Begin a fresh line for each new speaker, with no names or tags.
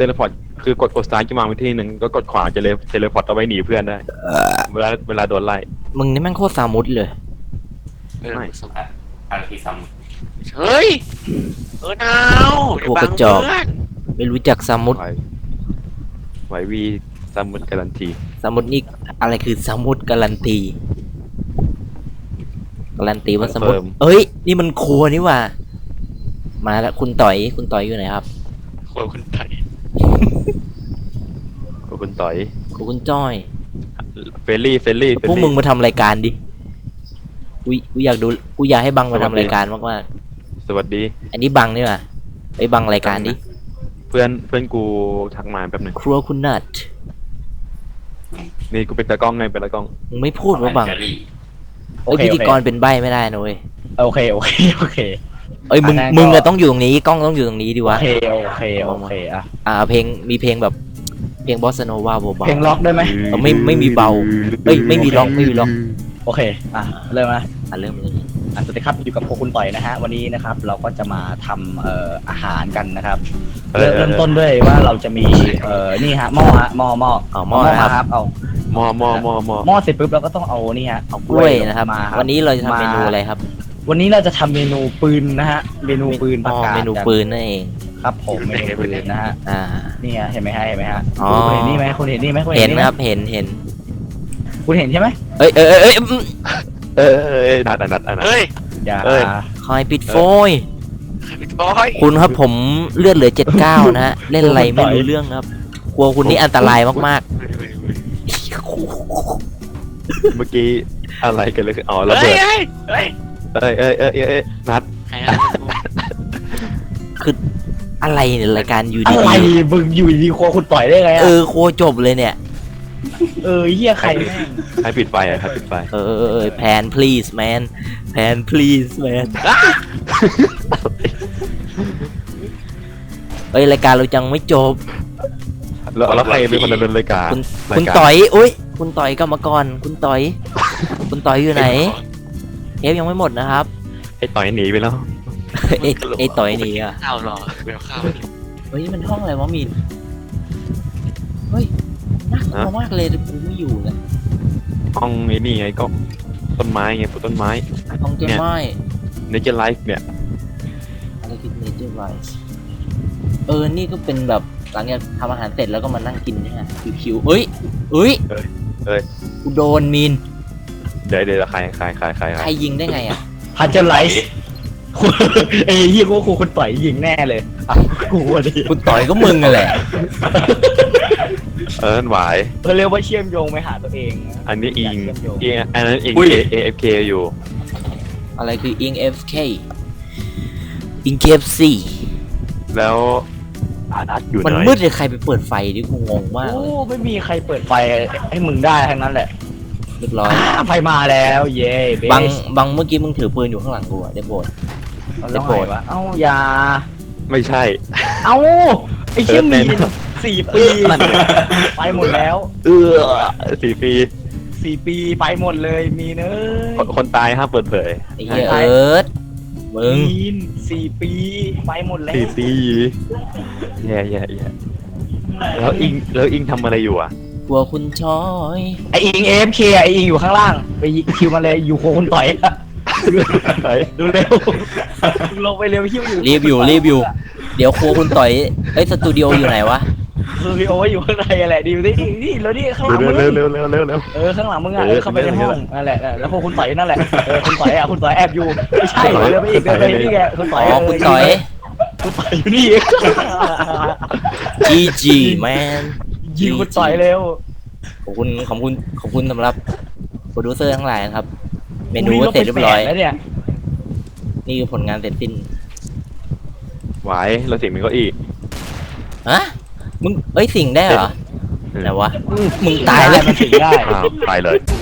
เลพอร์ตคือกดซ้ายจะมาไปที่หนึ่งก็กดขวาจะเทเลพอร์ตเอาไว้หนีเพื่อนได้เวลาโดนไล่
มึงนี่แม่งโคตรสามุดเลย
ไม่
อะไรที่ซ้
เฮ้ยหนาวเดี๋ยวบังเพื่อน
ไม่รู้จักสามุด
ไหววีสมุดการันตี
สามุดนี่อะไรคือสามุดการันตีการันตีว่าสามุดเอ้ยนี่มันครัวนี่หว่ามาแล้วคุณต่อยอยู่ไหนครับ
ครัวคุณไทย
คุณต่อย
คุณจ้อย
เฟลลี่
พวกมึงมาทำรายการดิกูอยากดูกูอยากให้บังมาทำรายการมาก
สวัสดี
ๆอันนี้บังนี่หว่าไอ้บังรายการดิ
เพื่อนกูทักมาแป๊บหนึง
ครัวคุณนัท
นี่กูเป็นตากล้องไงเป็นตากล้อง
มึงไม่
ำ
พูดว่าบัง
แอนเจลี่
ไอ้ยพิธีกรเป็นใบไม่ได้นะเว้ย
โอเคเ
เอ้ยมึง
อันนั้นก็
มึงอะต้องอยู่ตรงนี้กล้องต้องอยู่ตรงนี้ดิวะ
โอเคอ่ะ
เพลงมีเพลงแบบเพลงบอสโนวาเบา
เพลงล็อกได้ไหม
ไม่มีเบาเอ้ยไม่มีล็อก
โอเคอ่ะเริ่มนะ
อ่ะเริ่มเลย
สวัสดีครับอยู่กับโคคุณต่อยนะฮะวันนี้นะครับเราก็จะมาทำอาหารกันนะครับเริ่มต้นด้วยว่าเราจะมีนี่ฮะหม้อครับเอา
มอ
หม้อเสร็จปุ๊บเราก็ต้องเอานี่ฮะเอา
กล้วยนะครับ
มา
วันนี้เราจะทำเมนูอะไรครับ
วันนี้เราจะทำเมนูปืนนะฮะเมนูปืนผักกาด
เมนูปืนนั่นเอง
ครับผมเมนูปืนนะฮะ
อ่า
นี่ฮะเห็นไหมฮะ
อ๋อ
คุณเห็นนี่ไหมคุณเห็นนี่ไหมคุณ
เห็น
นี่
นะครับเห็น
คุณเห็นใช่ไหม
เอ้ย
นัด
เฮ้ย
อย่า
เอ้ย
คอยปิดโฟย
ใครเป็นบอย
คุณครับผมเลือดเหลือ79นะฮะเล่นอะไรไม่รู้เรื่องครับกลัวคุณนี่อันตรายมาก
เมื่อกี้อะไรกันเลยอ๋อระ
เฮ้
เบิ
ย
ด
เฮ้ย
นัด
ใครนะ
ๆคืออะไรเนี่ยรายการอยู่
อะ
ดี
ไรมึงอยู่ดีๆครัวคุณต่อยได้ไง
ๆ
อะ
โคจบเลยเนี่ย
เฮียใครแม่ง
ให้ปิดไฟอ่ะครับปิดไฟ
แพน please man แพน please man เอ้ยรายการเราจังไม่จบ
แล้วใครเป็นคนดำเนินรายการ
คุณต่อยอุ้ยคุณต่อยกรรมกรคุณต่อย คุณต่อยอยู่ไหนเทปยังไม่หมดนะครับ
ไอ้ต่อยหนีไปแล้ว
ไอ้ต่อยหนี่อ่ะ
ข้าวรอเดี๋ยวข้าว
เฮ้ยมันห้องอะไรวะมินเฮ้ยน่ากลัวมากเลยกูไม่อยู่เลย
ห้องไอ้นี่ไงก็ต้นไม้ไงปลูกต้นไม้
ห้องเกมไม้
เนเจอร์ไลฟ์เนี่ย
อะไรคือ nature rice นี่ก็เป็นแบบหลังจากทำอาหารเสร็จแล้วก็มานั่งกินเนี่ยคิวๆเอ้ยกูโดนมิน
เดี๋ยวใคร
ใครยิงได้ไงอ่ะ
พันเจอร์ไลท์เฮียกูว่าครูคุณต่อยยิงแน่เลยอ่ะกูว่าดิ
คุณต่อยก็มึงกันแหละ
หวาย
เขาเรียกว่าเชื่อมโยงไปหาตัวเองนะ
อันนี้อิง
เชื่อมโยง
อันนั้นอิง AFK อยู่
อะไรคืออิง FK อิง KFC
แล้วนัดอยู่ไหน
มันมืดเลยใครไปเปิดไฟดิกูงงมาก
โอ้
เลย
ไม่มีใครเปิดไฟให้มึงได้ทั้งนั้นแหละ
เรียบร้อย
ไฟมาแล้วเย้เบส
บังเมื่อกี้มึงถือปืนอยู่ข้างหลังกูอะได้โปรด
แล้วไงวะเอ้าอย่า
ไม่ใช่
เอ้าไอ้เชี่ยมีน4 ปีไปหมดแล้ว
4 ปี
4 ปีไปหมดเลยมีเนย
คนตายห้ามเปิดเผย
ไอ้เหี้ยเอิร์ธมึง
มีน4 ปีไปหมดแล้ว
4 ปีแย่แล้วอิงทำอะไรอยู่อ่ะ
กลัวคุณชอย
ไออิง AFK ไออิงอยู่ข้างล่างไปคิวมาเลยอยู่โคคุณต่อยดูเร็วลงไปเร็วคิวอยู่
รีบอยู่เดี๋ยวครัวคุณต่อยสตูดิโออยู่ไหนวะ
คือพี่โอ้ยอยู่ข้างในอะไรดีนี่แล้วนี่ข้างหลังมึง
เร็ว
ข้างหลังมึงอ่ะเข้าไปในห้องนั่นแหละแล้วพวกคุณต่อยนั่นแหละคุณต่อยแอบอยู่ไม่ใช่เดินไปอีกนี่แกคุณต่อย
คุณต่อย
อยู่นี่
GG man
ยิงคุณต่อยเร็ว
ขอบคุณสำหรับโปรดิวเซอร์ทั้งหลายนะครับเมนูก็เสร็จเรียบร้อย
แล้วเนี่ย
นี่คือผลงานเสร็จสิ้น
หวายเราเสียงมันก็อีก
ฮะมึงสิ่งได้เหรอไหนวะมึงตายแล้ว
มันถึงได้
ตายเลย